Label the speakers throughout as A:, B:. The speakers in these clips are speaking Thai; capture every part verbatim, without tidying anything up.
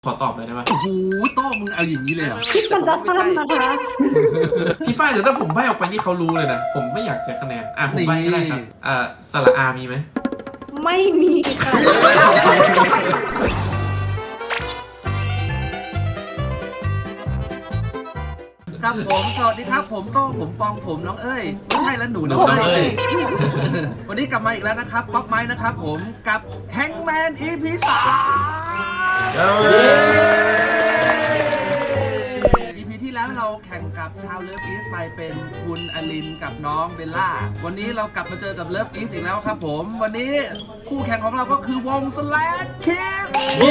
A: ขอตอบเลยได้ปะ
B: โอ้โหโต้มึงเอาอย่างนี้เลยเหรอ
C: มันจะสั้นนะคะ
A: พี่ฝ้ายแต่ถ้าผมใบ้ออกไปนี่เขารู้เลยนะผมไม่อยากเสียคะแนนอ่ะผมใบ้ก็ได้ครับอ่าสระอามีไหม
C: ไม่มีค่ะ
B: ครับผมสวัสดีครับผมโต้ผมปองผมน้องเอ้ยไม่ใช่แล้วหนูน้องเอ้ยวันนี้กลับมาอีกแล้วนะครับป๊อปไม้นะครับผมกับแฮงแมน อี พี สาม อี พี ที่แล้วเราแข่งกับชาวเลิฟอีสไปเป็นคุณอลินกับน้องเบลล่าวันนี้เรากลับมาเจอกับเลิฟอีสอีกแล้วครับผมวันนี้คู่แข่งของเราก็คือวง Slash Kids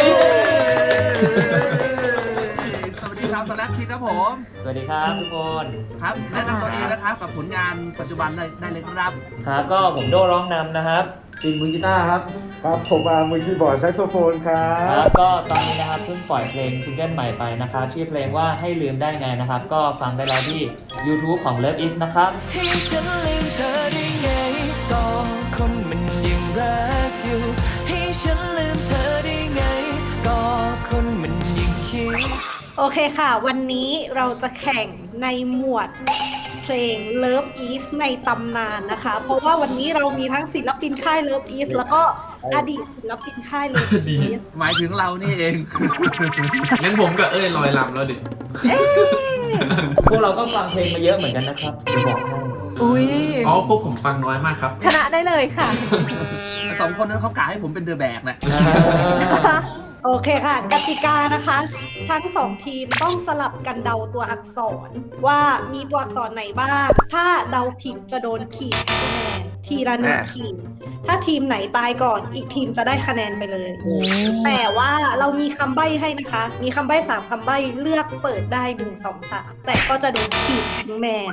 B: สวัสดีชาว Slash Kids ครับผม
D: สวัสดีครับทุกคน
B: ครับแนะนำตัวเองนะครับกับผลงานปัจจุบันได้ได้เลยครับ
D: ครับก็ผมโดร้องนำนะครับ
E: จินมือกีตาร์ครับครับผมอามือคีย์บอร์ดแซกโซโฟนครับ
D: ครับก็ตอนนี้นะครับเพิ่งปล่อยเพลงซิงเกิลใหม่ไปนะครับชื่อเพลงว่าให้ลืมได้ไงนะครับก็ฟังได้แล้วที่ YouTube ของ Love Is นะครับ
F: ให้ฉันลืมเธอได้ไงก็คนมันยังรักอยู่ให้ฉันลืมเธอได้ไงก็คนมันยังคิด
C: โอเคค่ะวันนี้เราจะแข่งในหมวดเพลง Love Is ในตำนานนะคะเพราะว่าวันนี้เรามีทั้งศิลปินค่าย Love Is แล้วก็อดีตศิลปินค่าย Love Is
B: หมายถึงเรานี่เอง
A: งั้นผมกับเอ้ยลอยลำแล้วดิ
D: พวกเราก็ฟังเพลงมาเยอะเหมือนกันนะครับจะบอกให้
G: อุ้ย
A: อ๋อพวกผมฟังน้อยมากครับ
G: ชนะได้เลยค่ะ
B: สองคนนั้นเขากะให้ผมเป็นเดอะแบกนะ
C: โอเคค่ะกติกานะคะทั้งสองทีมต้องสลับกันเดาตัวอักษรว่ามีตัวอักษรไหนบ้างถ้าเดาผิดจะโดนขีดคะแนนทีละหนึ่งขีดถ้าทีมไหนตายก่อนอีกทีมจะได้คะแนนไปเลยแต่ว่าเรามีคำใบ้ให้นะคะมีคำใบ้สามคำใบ้เลือกเปิดได้หนึ่ง สอง สามแต่ก็จะโดนขีดทั้งแมน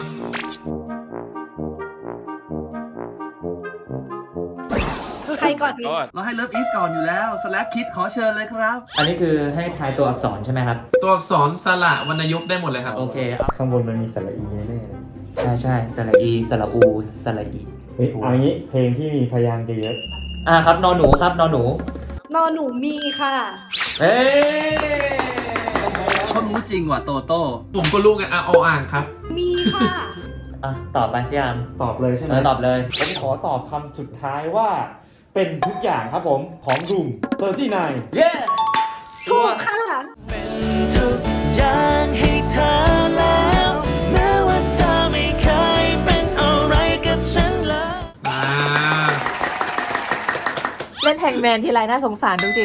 C: ใครก่อนดี
B: เราให้เลิฟอีสก่อนอยู่แล้ว Slash Kids ขอเชิญเลยครับ
D: อันนี้คือให้ทายตัวอักษรใช่ไหมครับ
A: ตัวอักษรสระวรรณยุกต์ได้หมดเลยครับ
D: โอเค
E: ข้างบนมันมีสระอีแน่
D: ๆใช่ใช่สระอีสระอูสระอี
E: เฮ้ยเอางี้เพลงที่มีพยางค์เยอะ
D: อ่าครับนอหนูครับนอหนู
C: นอหนูมีค่ะ
D: เฮ้
B: เขารู้จริงว่ะโตโต้
A: ผมก็รู้กันอ่ะเอาอ่านครับ
C: มีค่ะ
D: อ่ะตอบไปพี่อาม
E: ตอบเลยใช่ไหม
D: ตอบเลย
E: ผมขอตอบคำสุดท้ายว่าเป็นทุกอย่างครับผมของรูมเตอร์ตี้ไนน์
D: เย้
C: ถูกค่ะ
F: เป็นทุกอย่างให้เธอแล้วแม้ว่าเธอไม่เคยเป็นอะไรกับฉันเลย
G: เล่นแฮงแมนทีไรน่าสงสารทุกที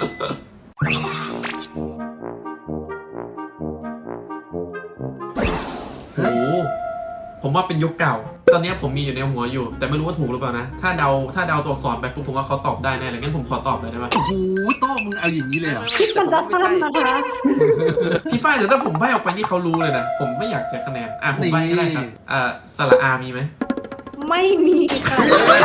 A: โอ้ผมว่าเป็นยุคเก่าตอนนี้ผมมีอยู่ในหัวอยู่แต่ไม่รู้ว่าถูกหรือเปล่านะถ้าเดาถ้าเดาตัวอักษรไปปุ๊บผมว่าเขาตอบได้แน่เลยงั้นผมขอตอบเลยได้ไหม
B: โอ้โหโต้มึงเอาอย่างนี้เลยเหรอ
C: มันจะสั้นนะคะ
A: พี่ฝ้ายแต่ถ้าผมใบ้ออกไปนี่เขารู้เลยนะผมไม่อยากเสียคะแนนอ่ะผมใบ้ก็ได้ครับอ่าสระอามีไหม
C: ไม่มีค่ะ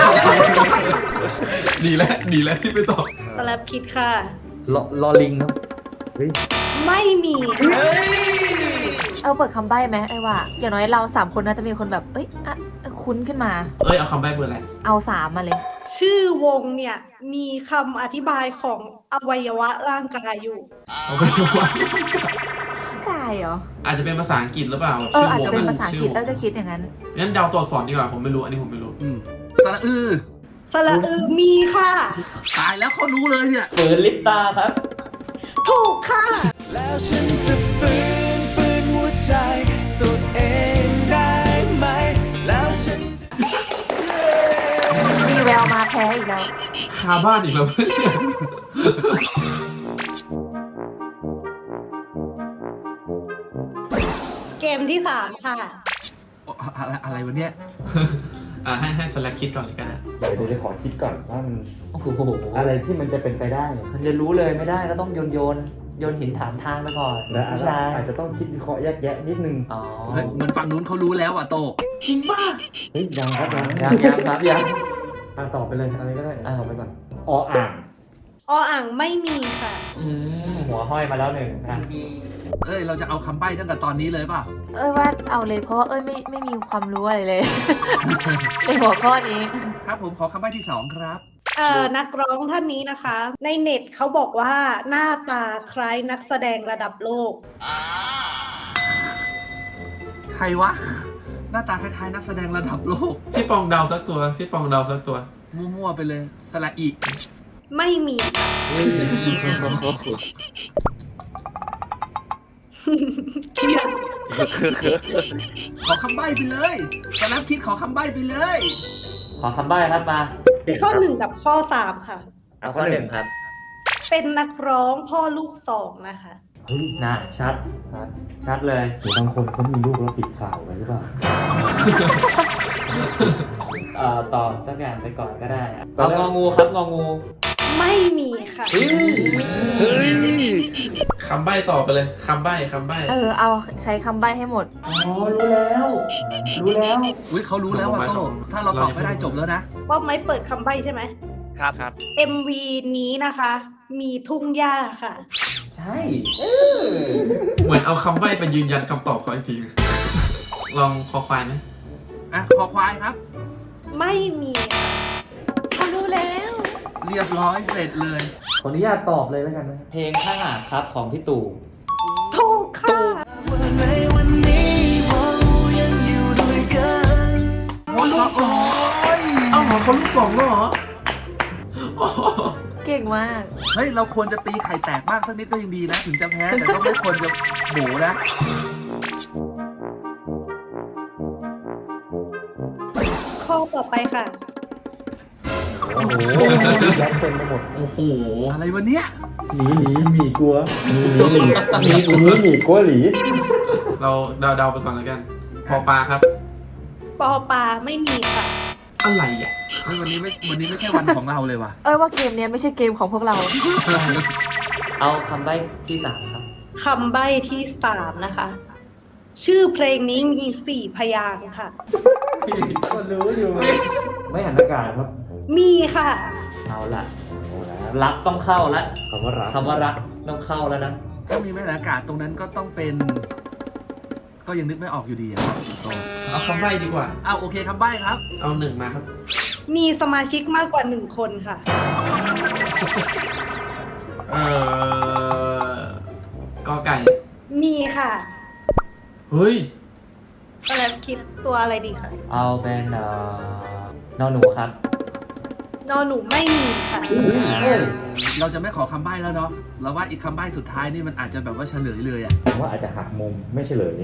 A: ดีแล้วดีแล้วที่ไปตอบ
C: สลับคิดค่ะ
E: ลอลอลิงครับเฮ้ย
C: ไม่มี
G: เอาเปิดคำใบ้ไหมไอ้ว่าอย่างน้อยเราสามคนน่าจะมีคนแบบเอ้ยอะคุ้นขึ้นมา
A: เอ้ยเอาคำใบ้เบอร์อะไร
G: เอาสามมาเลย
C: ชื่อวงเนี่ยมีคำอธิบายของอวัยวะร่างกายอยู่
A: อวัยวะ
G: กายเหรอ
A: อาจจะเป็นภาษาอังกฤษหรือเปล่า
G: เอออาจจะเป็นภาษาอังกฤษเออก็คิดอย่างนั้น
A: งั้นเดาตัวอักษรดีกว่าผมไม่รู้อันนี้ผมไม่รู้
B: อืมสระอือ
C: สระอือมีค่ะ
B: ตายแล้วเขารู้เลยเนี่ย
D: เปิดลิปตาครับ
C: ถูกค่ะ
F: แล้วฉันจะฟื้นฟื้นหัวใจตัวเองได้ไหมแล้วฉัน
G: มีแววมาแพ้อีกแล้ว
A: คาบ้านอีกแล้ว
C: เกมที่สามค่ะ
B: อะไรอะไรวะเนี่ย
A: อ่าให้ให้สแลกคิดก่อนเลยกันนะ
E: เดี๋ยวจะขอคิดก่อนว่ามัน
D: โอ้โห
E: อะไรที่มันจะเป็นไปได้
D: มันจะรู้เลยไม่ได้ก็ต้องโยนโยนโยนหินถามทางไปก่อน
E: แล้วอาจจะต้องคิดวิเคราะห์แยกแยะนิดนึง
D: อ๋อ
B: เหมือนฝั่งนู้นเขารู้แล้วอ่ะโต
A: จริงป่ะ
E: เฮ้ยยังครับยัง
D: ยังยังครับยัง
E: ตาตอบไปเลยอะไรก็ได้
D: อ่าไปก่อน
E: ออ่าง
C: ออ่างไม่มีค่ะ
D: อืมหัวห้อยมาแล้วหนึ่งนะ
B: เอ้ยเราจะเอาคำใบ้ตั้งแต่ตอนนี้เลยป่ะ
G: เอ้ยว่าเอาเลยเพราะว่าเอ้ยไม่ไม่มีความรู้อะไรเลยในหัวข้อนี้
B: ครับผมขอคำใบ้ที่สองครับ
C: เอ่อนักร้องท่านนี้นะคะ ในเน็ตเขาบอกว่าหน้าตาคล้ายนักแสดงระดับโลก
B: ใครวะ หน้าตาคล้ายๆนักแสดงระดับโลก
A: พี่ปองเดาสักตัว พี่ปองเดาสักตัว
B: มั่วๆไปเลยสละอี
C: ไม่มีค่ะ
B: ขอคำใบ้ไปเลยสแลปคิดขอคำใบ้ไปเลย
D: ขอคำใบ้ครับมา
C: ข้อหนึ่งกับข้อสามค่ะ
D: เอาข้อหนึ่งครับ
C: เป็นนักร้องพ่อลูกสองนะคะ
E: เฮ้ย
D: น่าชัด ชัด ชัดเลย
E: หรือบางคนเขามีลูกแล้วปิดข่าวไว้หรือเปล่า
D: เอ่อตอบสักอย่างไปก่อนก็ได้อะเอางองูครับงองู
C: ไม่มีค่ะ
A: คำใบ้ต่อไปเลย คำใบ้ คำใบ้
G: เออเอาใช้คำใบ้ให้หมด
D: อ๋อ รู้แล้ว รู้แล้ว
B: อุ้ยเขารู้แล้วว่าโต้ถ้าเราตอบไม่ได้จบแล้วนะ
C: ป้อมไม้เปิดคำใบ้ใช่ไหม
B: ครับครับ
C: เอ็ม วี นี้นะคะ มีทุ่งหญ้าค่ะ
D: ใช่เออ
A: เหมือนเอาคำใบ้ไปยืนยันคำตอบเขาอีกที ลองคอควายไหม
B: อ่ะคอควายครับ
C: ไม่มีค่ะ
G: เขารู้แล้ว
B: เรียบร้อยเสร็จเลย
E: ขออนุญาตตอบเลยแล้วกันนะ
D: เพลงข้างหากครับของพี่ตู่
C: ถูกค่ะ
F: ในวันนี้เรายังอยู่ด้วยกัน
B: โอ้ลูกสอง
A: เอ้าเหรอเขาลูกสองแล้วเหรอโอ้โห
G: เก่งมาก
B: เฮ้ย เราควรจะตีไข่แตกบ้างสักนิดก็ยังดีนะ ถึงจะแพ้ แต่ก็ไม่ควรจะโบนะ
C: ข้อต่อไปค่ะ
E: โอ้โหยัดเต็มไปหมด
A: โอ้โห
B: อะไรวะเนี้ย
E: หนีหนีหมีกลัวหนีหนีหนีหนีหมีกลัวหลี
A: เราเดาเดาไปก่อนแล้วกัน พอปลาครับ
C: ปอปลาไม่มีค่ะ
A: อะไรอ่ะ
B: เฮ้ยวันนี้ไม่วันนี้ไม่ใช่วันของเราเลยว่ะ
G: เอ้ยว่าเกมเนี้ยไม่ใช่เกมของพวกเรา
D: เอาคำใบ้ที่สามครับ
C: คำใบ้ที่สามนะคะ ชื่อเพลงนี้มีสี่พยางค์ค่ะ
E: ก็รู้อยู่ ไม่หันอากาศครับ
C: มีค่ะ
D: เอาละ
E: โอ้แล้ว
D: รักต้องเข้าละ
E: คำว่ารัก
D: คำว่ารักต้องเข้าแล้วนะ
B: ถ้ามีแม่นอากาศตรงนั้นก็ต้องเป็น ก็ยังนึกไม่ออกอยู่ดีอะครับ
A: เอาคำใบ้ดีกว่า
B: อ้าวโอเคคำใบ้ครับ
A: เอาหนึ่งมาครับ
C: มีสมาชิกมากกว่าหนึ่งคนค่ะ
A: เอ่อ กอไก่
C: มีค่ะ
A: เฮ้ย
C: แล้วคิดตัวอะไรดีคะ
D: เอาเป็นเอ่อนอหนูครับ
C: นอหนูไม่มีค่ะ
E: เฮ้ย
B: เราจะไม่ขอคำใบ้แล้วเนาะ เราว่าอีกคำใบ้สุดท้ายนี่มันอาจจะแบบว่าเฉลยเลยอะ
E: ผมว่าอาจจะหักมุมไม่เฉลย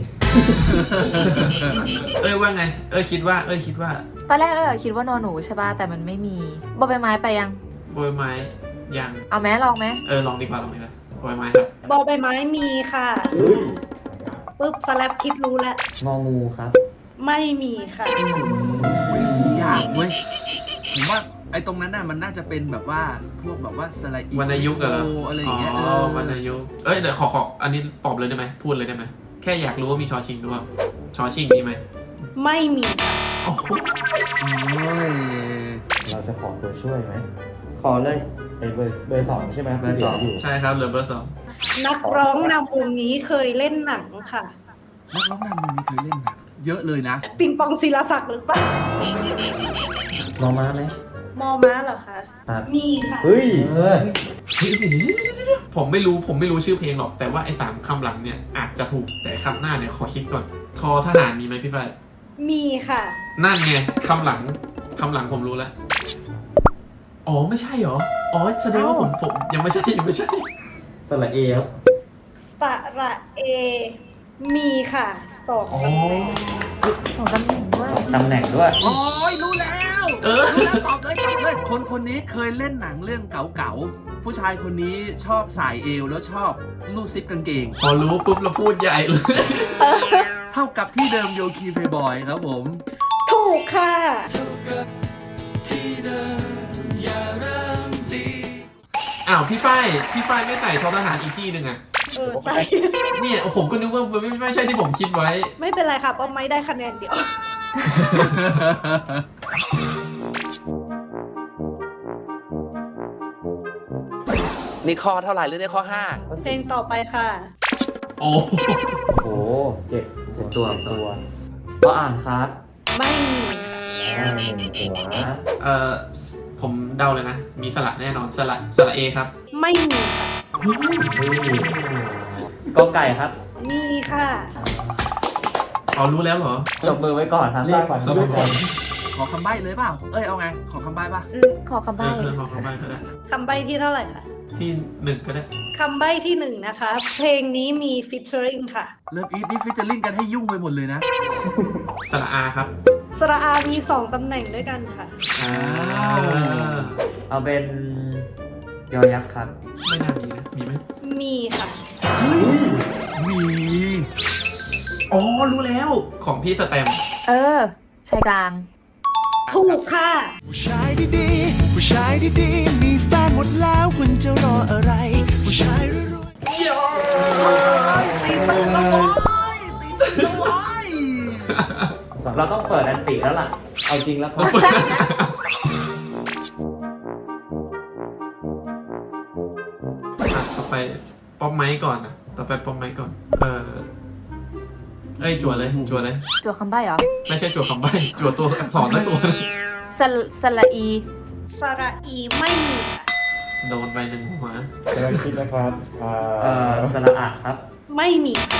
A: เอ้ยว่าไง เอ้ยคิดว่า เอ้ยคิดว่า
G: ตอนแรกเออคิดว่านอนหนูใช่ป่ะแต่มันไม่มีบอใบไม้ไปยัง
A: โบยไม้ยัง
G: เอาแม้ลองไหม
A: เออลองดีกว่าลองดีกว่าโบยไม้ครับ
C: บอใบไม้มีค่ะ
E: เฮ้ย
C: ปุ๊บสแลปคิดรู้แล้ว
D: งองูครับ
C: ไม่มีค่ะ
B: อุ๊ยยากเว้ย ผมว่าไอ้ตรงนั้นน่ะมันน่าจะเป็นแบบว่าพวกแบบว่าสไลด์
A: วรรณยุกต์เหรอ
B: อะไรอย่างเงี้ย
A: อ๋
B: เอ
A: อ
B: อ
A: วรรณยุกต์เอ้ยเดี๋ยวขอขออันนี้ตอบเลยได้ไหมพูดเลยได้ไหมแค่อยากรู้ว่ามีชอชิงหรือเปล่าชอชิงมีไหม
C: ไม่มีค่ะ
A: โอ้โห
B: โอ้ย
E: เราจะขอตัวช่วยไหม ขอเลยเป็นเบอร์เบอร์สองใช่ไหม
D: เบอร์สอง
E: ที่หลืยู่
A: ใช่ครับเหลือเบอร์สอง
C: นักร้องนำวงนี้เคยเล่นหนังค่ะ
B: นักร้องนำวงนี้เคยเล่นหนังเยอะเลยนะ
C: ปิงปองศิลาศักดิ์หรือเปล่า
E: มอม้าไหม
C: มอม้าเหรอคะ
D: ครับ
C: มีค่ะ
E: เฮ้ย
D: เออ
A: ผมไม่รู้ผมไม่รู้ชื่อเพลงหรอก แต่ว่าไอ้สามคำหลังเนี่ยอาจจะถูกแต่คำหน้าเนี่ยขอคิดก่อน ทอทหารมีไหมพี่ฝ้าย
C: มีค่ะ
A: นั่นไงคำหลังคำหลังผมรู้แล้ว อ๋อไม่ใช่เหรอ อ๋อแสดงว่าผมผมยังไม่ใช่ยังไม่ใช่
E: สระเอครับ
C: สระเอ มีค่ะสอง
A: อ๋อ
C: ตำแหน่ง
G: สองตำแหน่งด้วย
D: ตำแหน่งด้วย
B: โอ้ยรู้แล้ว
A: เออ
B: รู้แล้วตอบเลยตอบเลย คนคนนี้เคยเล่นหนังเรื่องเก๋าๆ ผู้ชายคนนี้ชอบสายเอวแล้วชอบลูดซิปกางเกง
A: พอรู้ปุ๊บเราพูดใหญ่เลย
B: เท่ากับที่เดิมโยคีเพย์บอยครับผม
C: ถูกค่ะ
A: อ้าวพี่ฝ้ายพี่ฝ้ายไม่ใส่ทอทหารอีกที่หนึ่งอะ
C: เออใช่
A: เนี่ยผมก็นึกว่ามันไม่ไม่ใช่ที่ผมคิดไว้
C: ไม่เป็นไรค่ะป้อมไม่ได้คะแนนเดียว
H: นี่ข้อเท่าไหร่หรือได้ข้อห้า
C: เพลงต่อไปค่ะ
A: โอ้
E: โอ้โหเจ็ด
D: เจ็ดตัว
E: เจ็ดตัว
D: ก็อ่านครับ
C: ไม่มีค่ะ
E: อ่าหนึ่งหัว
A: เอ่อผผมเดาเลยนะ มีสระแน่นอนสระสระเอครับ
C: ไม่มีค่ะ
D: กอไก่ครับ
C: มีค่ะ
A: เอารู้แล้วเหรอ
D: จบมือไว้ก่อนครับ
E: เรียกฝันด้วยก่อน
B: ขอคำใบ้เลยเปล่า เอ้ยเอาไง ขอคำใบ้ป่ะ
G: อืมขอคำ
A: เอ
G: ใบ้
A: อเออขอคำใบ้ก็ได้
C: คำใบ้ที่เท่าไหร่คะ
A: ที่หนึ่งก็ได้
C: คำใบ้ที่หนึ่งนะคะ เพลงนี้มีฟิชเชอริงค่ะ
B: เริ่มอีทนี่ฟิชเจอริ่งกันให้ยุ่งไปหมดเลยนะ
A: สระอาครับ
C: สระอามีสองตำแหน่งด้วยกันค่ะ
A: อ่า
D: เอาเป็นยอยักษ์ครับ
A: ไม่น่ามีนะ มีไหม
C: มีค่ะ
B: มี
A: อ๋อ รู้แล้ว ของพี่สแตมป์
G: เออชายกลาง
C: ถูกค่ะ
F: ผู้ชายดีๆผู้ชายดีๆมีแฟนหมดแล้วคุณจะรออะไร ผู้ชายรวยๆ
B: ตีตื่นแล้วโว้ยตีตื่นแล้วโว้ย
D: เราต้องเปิดอันติแล้วล่ะ เอาจริงแล้วครับ
A: อ่ะต่อไปป๊อปไม้ก่อนนะต่อไปป๊อปไม้ก่อน เออเอ้ยจั่วเลยจั่วเลย
G: จั่วคำใบ้เหรอ
A: ไม่ใช่จั่วคำใบ้จั่วตัวอักษรแล้วตัว
G: สลสละอี
C: สระอีไม่มีค่ะ
A: โดนไปหนึ่งหัว
E: กำลังคิดนะครับอ่า
D: เอ่อสระอะครับ
C: ไม่มีค่ะ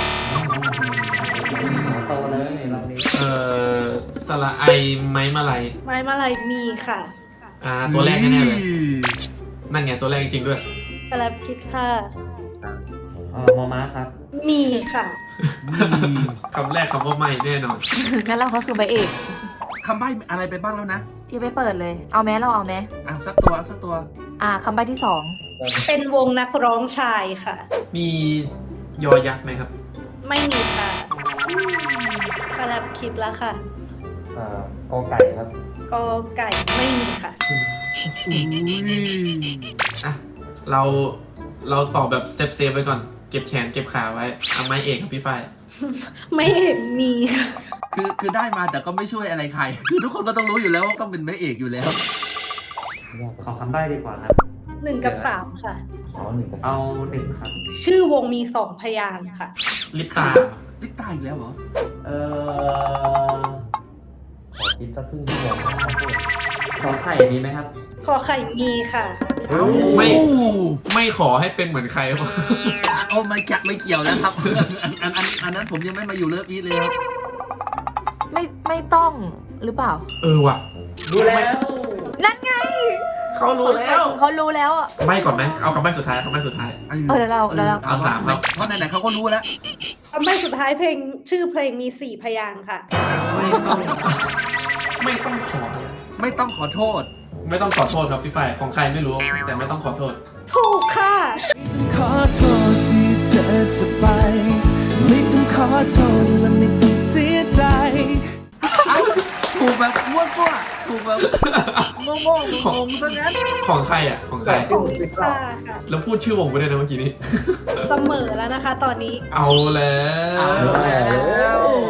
D: โตเลยในรอบนี้
A: เออสระไอไม้มาลัย
C: ไม้มาลายมีค่ะ
A: อ่า ตัวแรกแน่ๆเลย นั่นไงตัวแรกจริงๆด้วย
C: กระแลบคิดค่ะ
D: เอ่อมอม้าครับ
C: มีค่ะ
A: คำแรกคำว่าไม่แน่นอน
G: งั้นเราก็คือใบเอก
B: คำใบ้อะไรไปบ้างแล้วนะ
G: ยังไม่เปิดเลย เอาแม้เราเอาแม้
B: อ่ะสักตัวสักตัว
G: อ่าคำใบ้ที่สอง
C: เป็นวงนักร้องชายค่ะ
A: มียอยักษ์ไหมครับ
C: ไม่มีค่ะกระแลบคิดแล้วค่ะ
E: อ่ากอไก่ครับ
C: กอไก่ไม่มีค่ะ
B: อุ้ย
A: อ่ะ เราเราตอบแบบเซฟเซฟๆไว้ก่อน เก็บแขนเก็บขาไว้เอาไม้เอกกับพี่ฝ้าย
C: ไม่เห็นมีค่ะ
B: คือคือได้มาแต่ก็ไม่ช่วยอะไรใคร คือทุกคนก็ต้องรู้อยู่แล้วว่าต้องเป็นแม่เอกอยู่แล้ว
D: ขอคำใบ้ดีกว่าครับ
C: หนึ่งกับสามค่ะ
E: อ๋อหนึ่งกับสา
D: เอา
E: ม
D: หนึ่งครับ
C: ชื่อวงมีสองพยางค์ค่ะ
A: ลิปตา
B: ลิปตาอีกแล้วเหรอ
D: เอ่อ
E: ขอคิดสักครึ่งชั่วโมง
D: ขอไข่มีไหมครับ
C: ขอไข่มีค่ะ
A: ไม่
B: โอ้
A: ไม่ขอให้เป็นเหมือนใครหรอก
B: โอ้ไม่จักไม่เกี่ยวแล้วครับ อันอันอันอันนั้นผมยังไม่มาอยู่เลิฟอีทเลยครับ
G: ไม่ไม่ต้องหรือเปล่า
A: เออว่ะ
D: รู้แล้ว
G: นั่นไง
A: เขารู้แล้ว
G: เขารู้แล้วอ่ะ
A: ใบ้ก่อนไหมเอาคำใบ้สุดท้ายคำใบ้สุดท้าย
G: เออเดี๋ยวเราเดี๋ยวเรา
A: เอาสามครับ
B: เพราะไหนๆเขาก็รู้แล้ว
C: คำใบ้สุดท้ายเพลงชื่อเพลงมีสี่พยางค์ค่ะ
A: ไม่ต้อง ไม่ต้องขอ
B: ไม่ต้องขอโทษ
A: ไม่ต้องขอโทษครับพี่ฝ้ายของใครไม่รู้ แต่ไม่ต้องขอโทษ
C: ถูกค่ะ
F: ต้องขอโทษที่เธอจะไป ไม่ต้องขอโทษและไม่ต้องเสียใจ
B: เอ้าถูกแบบมั่วซั่วถูกแบบโง่โง่ๆงงๆซะงั้น
A: ของใครอ่ะ ของใคร
C: ของค่ะค่ะ
A: แล้วพูดชื่อวงไปด้วยนะเมื่อกี้นี้
C: เสมอแล้วนะคะ ตอนนี้
A: เอาแล้ว
B: เอาแล้ว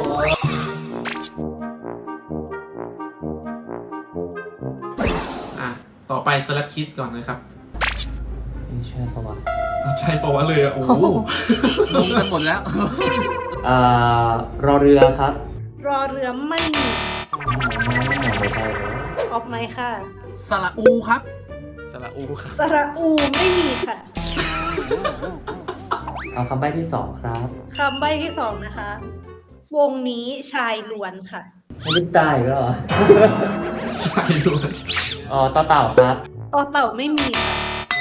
A: อ่ะ ต่อไป Slap Kiss ก่อนนะครับ
D: ไม่ใช่ปะวะ
A: ใช่ปะวะเลยอ่ะ โอ้โห
B: งงกันหมดแล้ว
D: เอ่อ รอเรือครับ
C: รอเรือไม่มี
E: ไม่ใช่เลย
C: ออกไหมค่ะ
B: สระอูครับ
A: สระอูครับ
C: สระอูไม่มีค่ะ
D: เอาคำใบ้ที่สองครับ
C: คำใบ้ที่สองนะคะ วงนี้ชายล้วนค่ะ
D: ไม่ได้ตายแล้วเหรอ
A: ใช่ด้วย
D: อ๋อต่อเต่าครับ
C: ต่อเต่าไม่มีค่ะ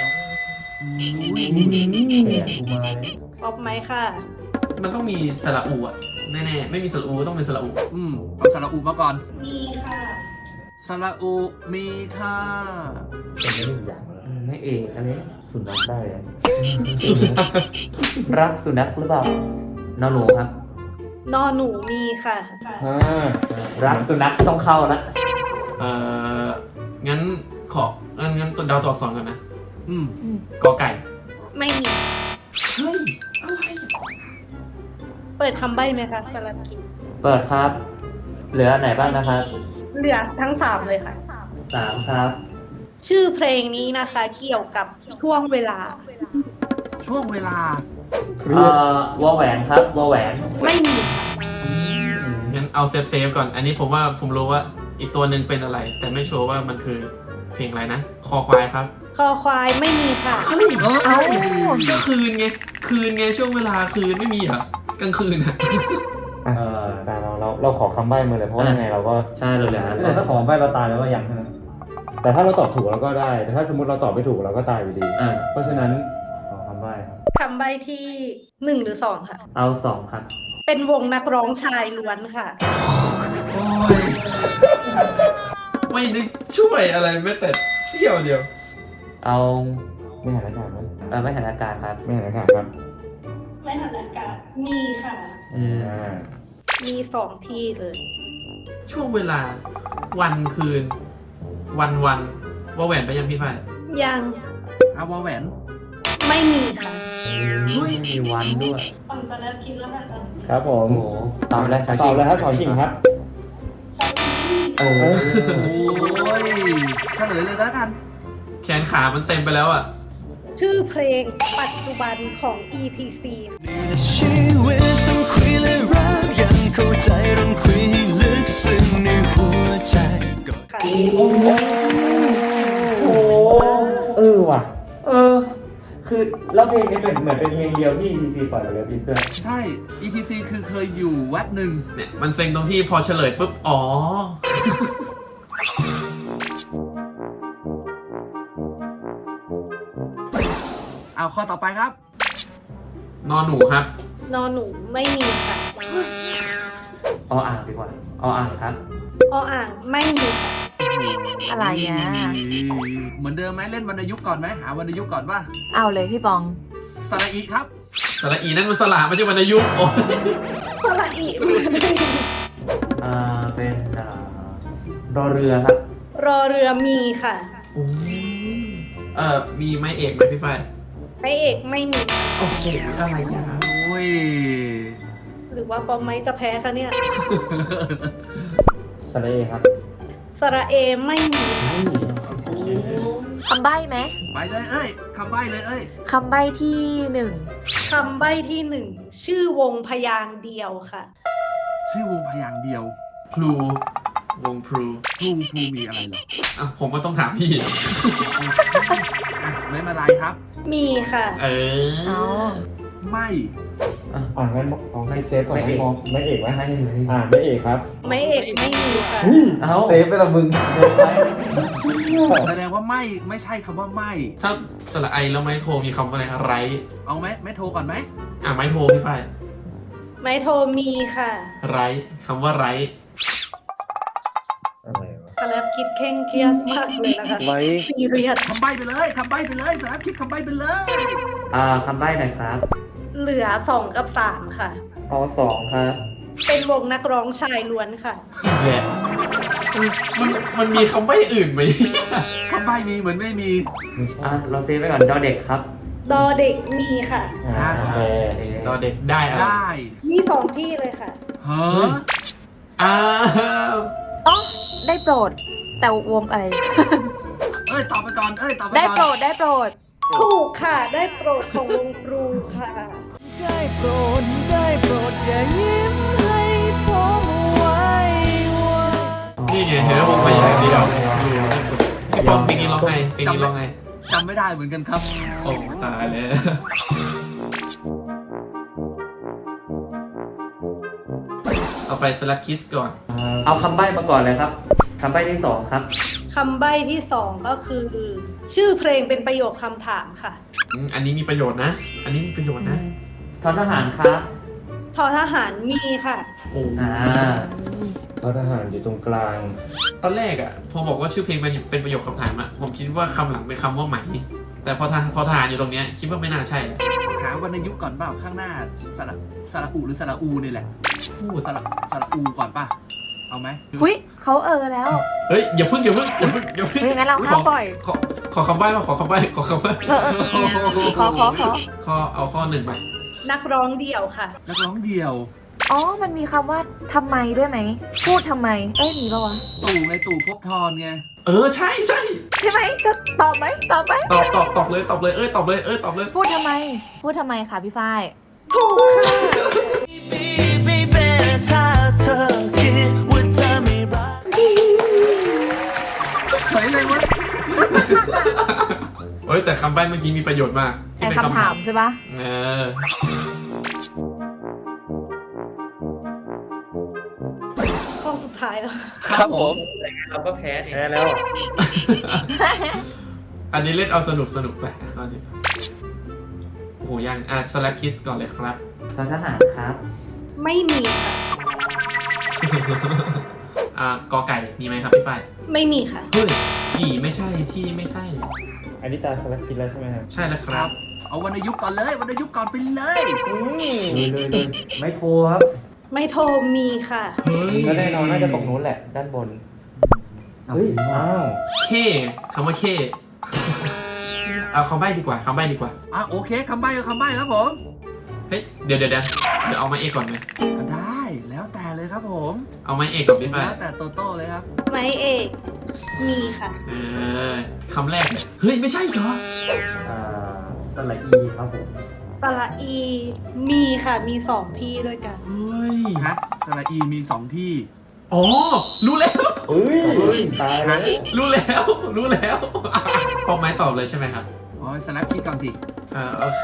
E: เสียกูมาเลย
C: ออกไหมค่ะ
A: มันต้องมีสระอูอ่ะ แน่ๆ ไม่มีสระอูต้องเป็นสระอู
B: อืมเอาสระอูมาก่อน
C: มีค่ะ
B: สระอูมีค่ะ
E: เป็นไม่ได้อย่างเลย
D: อืมไม่เอกอันนี้
E: สุนัขได้อะ
D: รักสุนัขหรือเปล่านอนหนูครับ
C: นอหนูมีค่ะ
E: อ่า
D: รักสุนัขต้องเข้าละ
A: เอ่อ งั้นขอ งั้นงั้นตัวดาวตัวอักษรก่อนนะ
B: อืม
A: กอไก่
C: ไม่มี
A: เฮ้ย
C: เปิดคำใบ้ไหมคะสลับคิด
D: เปิดครับ เหลืออันไหนบ้างนะครับ
C: เหลือทั้งสามเลยค่ะ
D: สามครับ
C: ชื่อเพลงนี้นะคะ เกี่ยวกับช่วงเวลา
B: ช่วงเวลา
D: เอ่อวอแหวนครับวอแหวน
C: ไม่มีค่ะ
A: งั้นเอาเซฟเซฟก่อน อันนี้ผมว่าผมรู้ว่าอีกตัวหนึ่งเป็นอะไร แต่ไม่ชัวร์ว่ามันคือเพลงอะไรนะ คอควายครับ
C: คอควายไม่มีค่ะ
B: เอ้ย
A: ก็คืนไง คืนไงช่วงเวลาคืนไม่มีเหรอ กลางคืนอะ
E: อ่ะ
D: เออ
E: แต่เราเราเราขอคำใบ้มาเลยเพราะว่ายังไงเราก็
D: ใช่เราเหลือ
E: แต่ถ้าขอใบ้เราตายแล้วก็ยังนะแต่ถ้าเราตอบถูกเราก็ได้ แต่ถ้าสมมติเราตอบไม่ถูกเราก็ตายอยู่ดี
D: อ่ะ
E: เพราะฉะนั้นขอคำใบ้ครับ
C: คำใบ้ที่หนึ่งหรือสองค่ะ
D: เอาสองครับ
C: เป็นวงนักร้องชายล้วนค่ะ
B: โอ้ย
A: ไม่ได้ช่วยอะไรแม้แต่เสี้ยวเดียว
D: เอา
E: ไม่หันอากาศไหม
D: เออไม่หันอากาศครับ
E: ไม่หันอากาศครับ
C: ไม่หันอากาศมีค่ะ
D: อืม
E: อ่า
C: มีสองที่เลย
A: ช่วงเวลา วันคืน วันวันว่าแหวนไปยังพี่ฝ้าย
C: ยัง
B: อาวาแหวน
C: ไม่มีค่ะ
D: ไม่มีวันด้วย
C: ปังตะแล้วคิดแล้วค่ะตอนนี้
E: ครับผ
D: โอ้
E: ม
D: โหตอบแล้วชาว
E: ต
D: ชิ
E: อง บเลยครับขอชิงครับ
C: ชาวชิง
D: เออ
B: โอ้ยเฉลยเลยก็แล้วกัน
A: แขนขามันเต็มไปแล้วอ่ะ
C: ชื่อเพลงปัจจุบันของ อี ที ซี
F: ชีวิตต้องคุยและรักยังเข้าใจต้องคุยให้ลึกซึ้งในหัวใจก่อน
C: ค่ะ
E: โอ้เออว่ะ
D: เออ
E: คือแล้วเพลงนี้เป็นเหมือนเป็นเพลงเดียวที่ อี ที ซี ปล่อยไปเลยพิสเตอร์
B: ใช่ อี ที ซี คือเคยอยู่แวบหนึ่ง
A: เนี่ยมันเซ็งตรงที่พอเฉลยปุ๊บ อ๋อ
B: เอาข้อต่อไปครับ
A: นอนหนูครับ
C: นอนหนูไม่มีค่ะ
D: ออ่างดีกว่าออ่างครับ
C: ออ่างไม่มีค่ะ
G: อะไรอ่ะ
B: เหมือนเดิมไหมเล่นวรรณยุกต์ก่อนไหมหาวรรณยุกต์ก่อนป่ะ
G: เอาเลยพี่ปอง
B: สระอีครับ
A: สระอีนั่นมันสลาไม่ใช่วรรณยุกต์โอ้ย
C: สระอีมาได้
D: อ่า เป็นอ่ารอเรือครับ
C: รอเรือมีค่ะ
A: โอ้ยเอ่อ มีไม้เอกไหมพี่ฝ้าย
C: พระเอกไม่มีค่ะ
A: โอ้โหอะไรอย่าง
B: โอ้ย
C: หรือว่าปอมไม้จะแพ้คะเนี่ย
E: สระเอครับ
C: สระเอไม่มีค่ะ
G: คำใบ้ไหม
B: ไปเลยเอ้ยคำใบ้เลยเอ้ย
G: คำใบ้ที่หนึ่ง
C: คำใบ้ที่หนึ่งชื่อวงพยางค์เดียวค่ะ
B: ชื่อวงพยางค์เดียว
A: พลูวงพลู
B: พลูพลูมีอะไรเหรอ
A: อ่ะผมก็ต้องถามพี่
B: อ่ะไม่มาไรครับ
C: มีค่ะ
A: เอ
G: เอา
A: อ
B: ไม่
E: อ่างั้นเอาให้เซฟก่อน
D: ไม่เอก
E: ให้มองไม่เอกไหม
D: ให้เลย
E: อ่าไม่เอกครับ
C: ไม่เอกไม่มีค่ะ
D: เอา
E: เซฟไปละมึง
B: แสดงว่าไม่ไม่ใช่คำว่าไม่
A: ถ้าสระไอแล้วไม้โทมีคำว่าอะไรครับไร
B: เอาไหมไม่โทรก่อนไหม
A: อ่ะไม้โทพี่ฝ้าย
C: ไม้โทมีค่ะ
A: ไรคำว่าไร
E: อะไรวะ
C: สแลบคิดเคร่งเครียดมากเลยนะคะ
H: ไว้
C: ซีเรียส
B: คำใบ้ไปเลยคำใบ้ไปเลยสารบคิดคำใบ้ไปเลย
D: อ่าคำใบ้หน่อยครับ
C: เหลือสองกับสามค่ะ
D: เอาสองครับ
C: เป็นวงนักร้องชายล้วนค่ะ
A: แหละเออมันมันมีคำใบ้อื่นไหม
B: คำใบ้มีเหมือนไม่มี
D: อ่ะเราเซฟไว้ก่อนดอเด็กครับ
C: ดอเด็กมีค่ะ
E: อ่าโอเค
A: รอเด็กได้อะไร
B: ได้
C: มีสองที่เลยค่ะ
B: เฮ้อ
A: อ้าว
G: อ๋อได้โปรด แต่วงอะไร
B: เอ้ยตอบไปก่อนเอ้ยตอบไป
G: ได้
B: ก่อน
G: โปรดได้โปรด
C: ถูกค่ะ ได้โปรดของวงครูค่ะ
F: ได้โปรดได้โปรดอย่ายิ้มให้ผมไว้ว่า
A: นี่ไงเห็นไหมผมไปอย่างเดียวพี่ปองเพลงนี้ร้องไงเพลงนี้ร้องไง
B: จำไม่ได้เหมือนกันครับ
A: โอ้ตายแล้วเอาไปสลักคิสก่อน
D: เอาคำใบ้มาก่อนเลยครับคำใบ้ที่สองครับ
C: คำใบ้ที่สองก็คือ ชื่อเพลงเป็นประโยคคำถามค่ะ
A: อืมอันนี้มีประโยชน์นะ อันนี้มีประโยชน์นะ
D: ทอทหารครับ
C: ทอทหารมีค่ะ
A: โอ้
D: อ่า
E: เพราะทหารอยู่ตรงกลาง
A: ตอนแรกอ่ะพอบอกว่าชื่อเพลงมันเป็นประโยคคำถามอ่ะผมคิดว่าคำหลังเป็นคำว่าไหม แต่พอทานพอทานอยู่ตรงเนี้ยคิดว่าไม่น่าใช่เลย
B: หาวรรณยุกต์ก่อนเปล่าข้างหน้าสระสระอูหรือสระอูนี่แหละพูดสระสระอูก่อนป่ะ เอาไหม
G: หุ้ยเขาเออแล้ว
A: เฮ้ยอย่าพึ่งอย่าพึ่งอย่าพึ่งอย่าพึ่ง
G: เฮ้ยงั้นเราข้ามปล่อย
A: ขอขอคำใบ้มาขอคำใบ้ขอคำใบ้
G: เออเออเออขอขอขอ
A: ข้อเอาข้อหนึ่งไป
C: นักร้องเดี่ยวค่ะ
B: นักร้องเดียว
G: อ๋อ มันมีคำว่าทำไมด้วยไหม พูดทำไม เอ้ย มีปะวะ
B: ตู่ไงตู่ภพบทรไง
A: เออใช่ใช่
G: ใช่ไหมจะตอบไหมตอบไหม
A: ตอบตอบตอบเลยตอบเลยเอ้ยตอบเลยเอ้ยตอบเลย
G: พูดทำไม พูดทำไมคะพี่ฝ้าย
C: ถูกค่ะ
F: Baby ถ้าเธอคิดว่าเธอไม่รัก
B: เฉยเลยวะ
A: เฮ้ยแต่คำใบ้เมื่อกี้มีประโยชน์มาก
G: ไอ้คำถามใช่ปะ
A: เออ
C: ข้อสุดท้ายแล้ว
H: ครับผม
D: เราก็แพ้เนี่ย
E: แพ้แล้ว
A: อันนี้เล่นเอาสนุกสนุกไปข้อนี้โอ้โหยังอ่ะสแลปคิสก่อนเลยครับ
D: ทอทหารครับ
C: ไม่มีค่ะ
A: อ่ากอไก่มีไหมครับพี่ฝ้าย
C: ไม่มีค่ะ
A: เฮ้ยกี่ไม่ใช่ที่ไม่ใช่
E: อันนี้ตาสลักคิดแล้วใช่ไหมครับ
A: ใช่แล้วค
B: ค
A: รั
B: รับ บ เอาวรรณยุกต์ก่อนเลย วรรณยุกต์ก่อนไปเลย
E: เลยเลยเลย
D: ไม่โทรครับ
C: ไม่โทรมีค่ะ
A: เฮ้ย
E: ก็แน่นอนน่าจะตรงนู้นแหละ ด้านบน เฮ้ย อ้าว
A: เคคำว่าเคเอาคำใบ้ดีกว่าคำใบ้ดีกว่า
B: อ่ะโอเคคำใบ้ก็คำใบ้ครับผม
A: เฮ้ยเดี๋ยวเดี๋ยวเดี๋ยวเดี๋ยวเอาไม้เอกก่อนไหม
B: ก็ได้แล้วแต่เลยครับผม
A: เอาไม้เอกก่อนพี่ฝ้าย
B: แล้วแต่โตโต้เลยครับ
C: ไม้เอกมีค่ะ
A: เออคำแรกเฮ้ยไม่ใช่เหรอ
D: อ่าสละอีครับผม
C: สระอีมีค่ะมีสองที่ด้วยกัน
A: เฮ้ย
B: ฮะสระอีมีสองที่
A: อ๋อรู้แล้ว
E: เฮ้ย ตายแล้ว
A: รู้แล้วรู้แล้วพอไม้ตอบเลยใช่ไหมครับ
B: โอ้ยสแลปคิดก่อนสิ
A: อ่าโอเค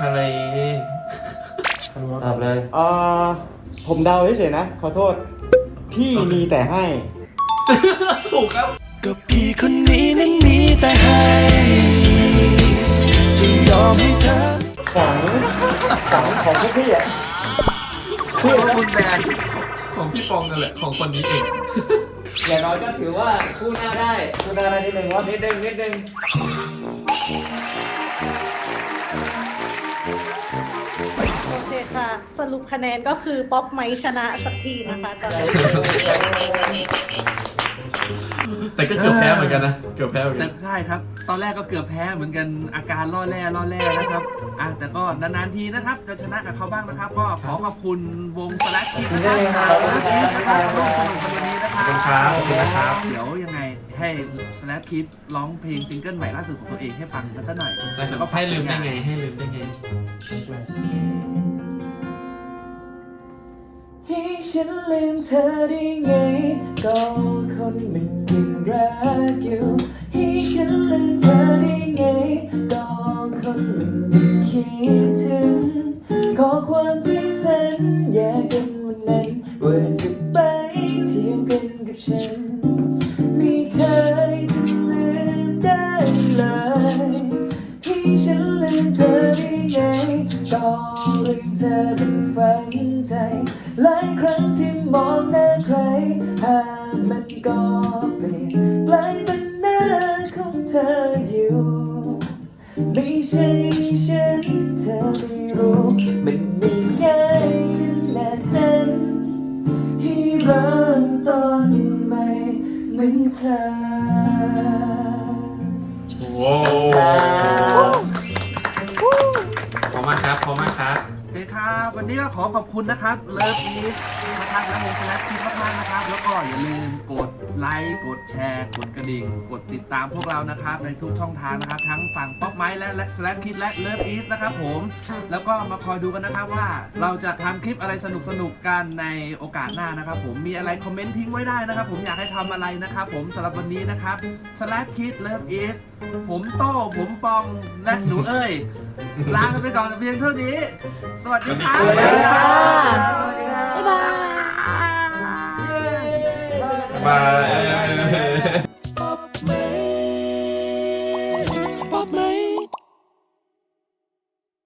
D: ตอบเลย
E: เอ่อ ผมเดาเฉยๆนะ ขอโทษ พี่มีแต่ให้
A: ถูกครับ
F: ก็พี่คนนี้นั้นมีแต่ให้จะยอมให้เธอ
E: ของของของพวกพี่อ่ะ
B: ขอบคุณแบน
A: ของพี่ปองนั่นแหละของคนนี้เอง
D: อย่างน้อยก็ถือว่าคู่หน้าได้
E: คุณได้อะไรนิดนึงว่า
D: นิดนึงนิดนึง
C: โอเคค่ะ สรุปคะแนนก็คือป๊อปไม้ชนะสักทีนะคะตอนนี้
A: แต่ก็เกือบแพ้เหมือนกันนะเกือบแพ้เหมือน
B: แต่
A: กัน
B: ใช่ครับ ตอนแรกก็เกือบแพ้เหมือนกันอาการล่อแร่ล่อแร่นะครับอ่ะแต่ก็นานๆทีนะครับ จะชนะกับเขาบ้างนะครับ ก็ขอขอบคุณวงสแลกคิดนะครับนะครับร่วมสนุกกันวันนี้นะค
A: ข
B: รั
A: อบบ คุณครับขอบคุณนะครับ
B: เดี๋ยวยังไงให้สแลกคิดร้องเพลงซิงเกิลใหม่ล่าสุดของตัวเองให้ฟังกันสักหน่อย
A: แล้วก็ให้ลืมได้ไงให้ลืมได้ไง
F: ให้ฉันลืมเธอได้ไง ก็คนมันยังรักอยู่ให้ฉันลืมเธอได้ไง ก็คนมันยังคิดถึงข้อความที่สัญญากันวันนั้นว่าจะไปเที่ยวกันกับฉันไม่เคยจะลืมได้เลยให้ฉันลืมเธอได้ไง ก็ลืมเธอเป็นฝังใจหลายครั้งที่มองหน้าใครหากมันก็เปลี่ยนกลายเป็นหน้าของเธออยู่ไม่ใช่ฉันเธอไม่รู้มันไม่ง่ายขนาดนั้นให้เริ่มต้นใหม่เหมือนเธอ
A: โว้พอมากครับพอมากครับ
B: โอเคครับวันนี้ก็ขอขอบคุณนะครับเลิฟอีสนะครับและวงสแลกคิดมากๆนะครับ แล้วก็อย่าลืมกดไลค์กดแชร์กดกระดิ่ง กดติดตามพวกเรานะครับในทุกช่องทางนะครับ ทั้งฝั่งป๊อปไม้และและสแลกคิดและเลิฟอีสนะครับผมแล้วก็มาคอยดูกันนะครับว่าเราจะทำคลิปอะไรสนุกๆกันในโอกาสหน้านะครับ ผมมีอะไรคอมเมนต์ทิ้งไว้ได้นะครับ ผมอยากให้ทำอะไรนะครับ ผมสำหรับวันนี้นะครับสแลกคิดเลิฟอีสผมโต้ผมปองและหนูเอ้ยลากันไปก่อนแต่เพียงเท่านี้ สวัสดีครับ
A: สวัสดีครับ
G: บ๊ายบาย
A: บาย